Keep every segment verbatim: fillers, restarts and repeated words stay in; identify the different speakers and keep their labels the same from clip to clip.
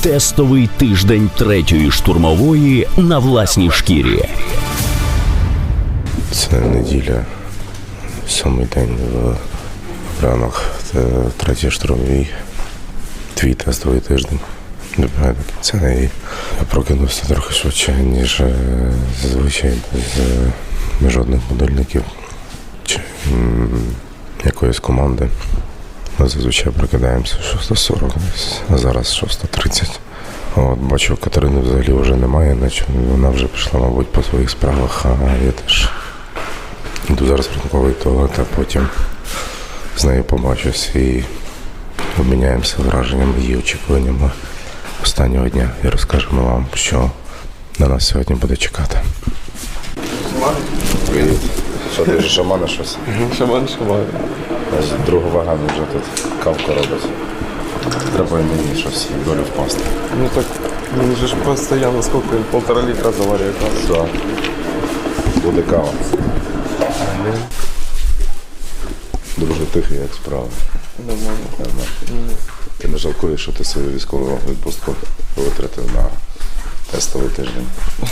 Speaker 1: Тестовий тиждень третьої штурмової на власній шкірі.
Speaker 2: Це неділя, сьомий день в ранок, третій штурмовій, твій тестовий тиждень. Добігає до кінця, і я прокинувся трохи швидше, ніж зазвичай, без жодних будильників чи м, якоїсь команди. Ми зазвичай прокидаємося шоста сорок, а зараз шоста тридцять. От, бачу, Катерини взагалі вже немає, наче вона вже пішла, мабуть, по своїх справах, а я теж йду зараз в ранковий туалет, а потім з нею побачусь і обміняємося враженнями, її очікуваннями останнього дня і розкажемо вам, що на нас сьогодні буде чекати. Привіт. Що, ти вже шамана щось?
Speaker 3: Шаман, шаман.
Speaker 2: Другу вагану вже тут кавку робить. Треба і мені щось в долю впасти.
Speaker 3: Ну так, він же ж постійно, скільки, полтора літра заварює каву.
Speaker 2: Так. Буде кава. Дуже тихий, як справа.
Speaker 3: Нормально.
Speaker 2: Ти не жалкуєш, що ти свою військову відпустку витратив на тестовий тиждень?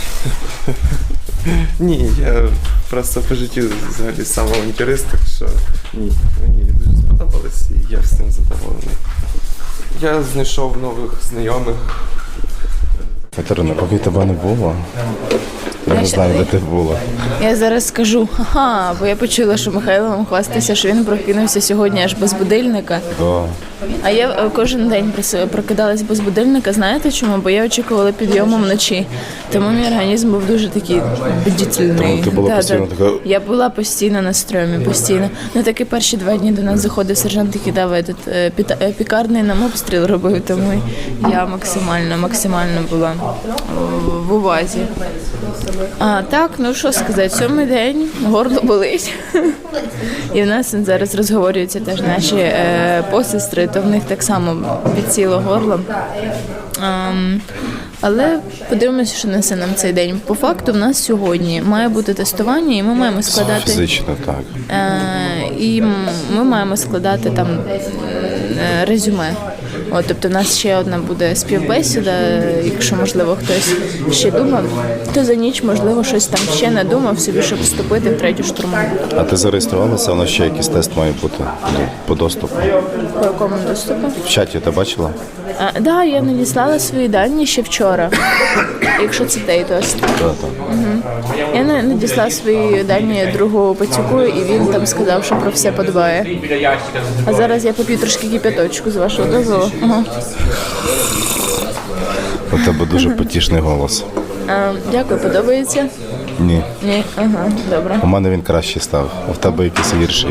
Speaker 3: Ні, я просто по життю взагалі самоінтерес, так що ні, мені дуже сподобалось і я всім задоволений. Я знайшов нових знайомих.
Speaker 2: Катерина, поки тебе не було, я не знаю, де ти була.
Speaker 4: Я зараз скажу, ага, бо я почула, що Михайло вам хвастається, що він прокинувся сьогодні аж без будильника.
Speaker 2: Да.
Speaker 4: А я е, кожен день прос- прокидалась без будильника. Знаєте чому? Бо я очікувала підйому вночі. Тому мій організм був дуже такий бдительний.
Speaker 2: Тому ти була постійно така-
Speaker 4: Я була постійно на стрьомі, постійно. Ну такі перші два дні до нас заходив сержант і кидав этот, е, піта- е, пікарний нам обстріл робив, тому я максимально, максимально була в- в увазі. А так, ну що сказати, сьомий день, горло болить. І в нас зараз розговорюються теж наші е, посестри, то в них так само підсіло горло. Ем, але подивимося, що несе нам цей день. По факту в нас сьогодні має бути тестування, і ми маємо складати
Speaker 2: Фізично, так.
Speaker 4: е, і м- ми маємо складати там е, резюме. От, тобто в нас ще одна буде співбесіда, якщо, можливо, хтось ще думав, то за ніч, можливо, щось там ще надумав собі, щоб вступити в третю штурмову.
Speaker 2: А ти зареєструвалася, у нас ще якийсь тест має бути ну, по доступу.
Speaker 4: По якому доступу?
Speaker 2: В чаті ти бачила?
Speaker 4: Так, да, я надіслала свої дані ще вчора, якщо це той тест.
Speaker 2: Так, так.
Speaker 4: Я на- надіслала свої дані другу пацюку, і він там сказав, що про все подбає. А зараз я поп'ю трошки кипяточку, з вашого дозволу. Ага.
Speaker 2: У тебе дуже потішний голос.
Speaker 4: А, дякую, подобається?
Speaker 2: Ні.
Speaker 4: Ні, ага, добре.
Speaker 2: У мене він кращий став, а в тебе якийсь гірший.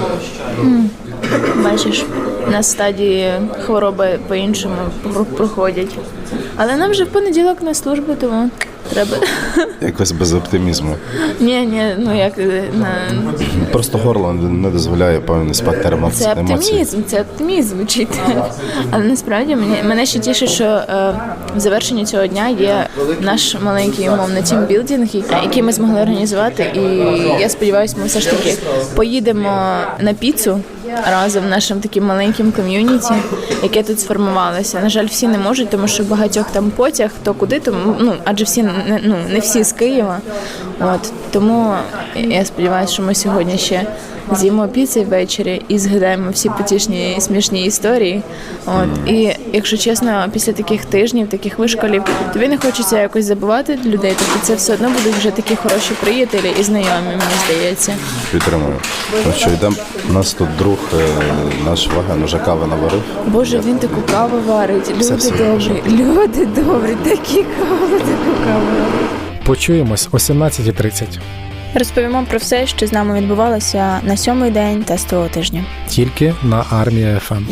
Speaker 4: Бачиш, на стадії хвороби по-іншому про- проходять. Але нам вже в понеділок на службу, тому треба.
Speaker 2: Якось без оптимізму.
Speaker 4: Ні, ні, ну як е, на
Speaker 2: Просто горло не дозволяє певний спектр емоцій.
Speaker 4: це
Speaker 2: емоцій.
Speaker 4: оптимізм, це оптимізм звучить. Але насправді мені мене ще тішить, що е, в завершенні цього дня є наш маленький умовно тімбілдинг, який ми змогли організувати. І я сподіваюся, ми все ж таки поїдемо на піцу разом нашим таким маленьким ком'юніті, яке тут сформувалося. На жаль, всі не можуть, тому що багатьох там потяг, то куди, тому ну адже всі не ну не всі з Києва. От тому я сподіваюся, що ми сьогодні ще з'їмо піци ввечері і згадаємо всі потішні і смішні історії. От і якщо чесно, після таких тижнів, таких вишколів, тобі не хочеться якось забувати людей. Тобто це все одно будуть вже такі хороші приятелі і знайомі, мені здається.
Speaker 2: Підтримую. Ну що, йдемо, у нас тут друг, е, наш Ваген уже кави наварив.
Speaker 4: Боже, він таку каву варить. Люди
Speaker 2: все
Speaker 4: добрі, люди добрі, такі кави, таку каву.
Speaker 5: Почуємось о сімнадцятій тридцять.
Speaker 6: Розповімо про все, що з нами відбувалося на сьомий день тестового тижня.
Speaker 5: Тільки на Армія еф ем.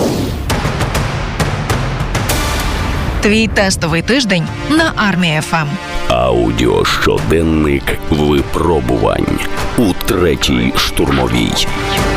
Speaker 7: Твій тестовий тиждень на Армія еф ем.
Speaker 1: Аудіощоденник випробувань у третій штурмовій.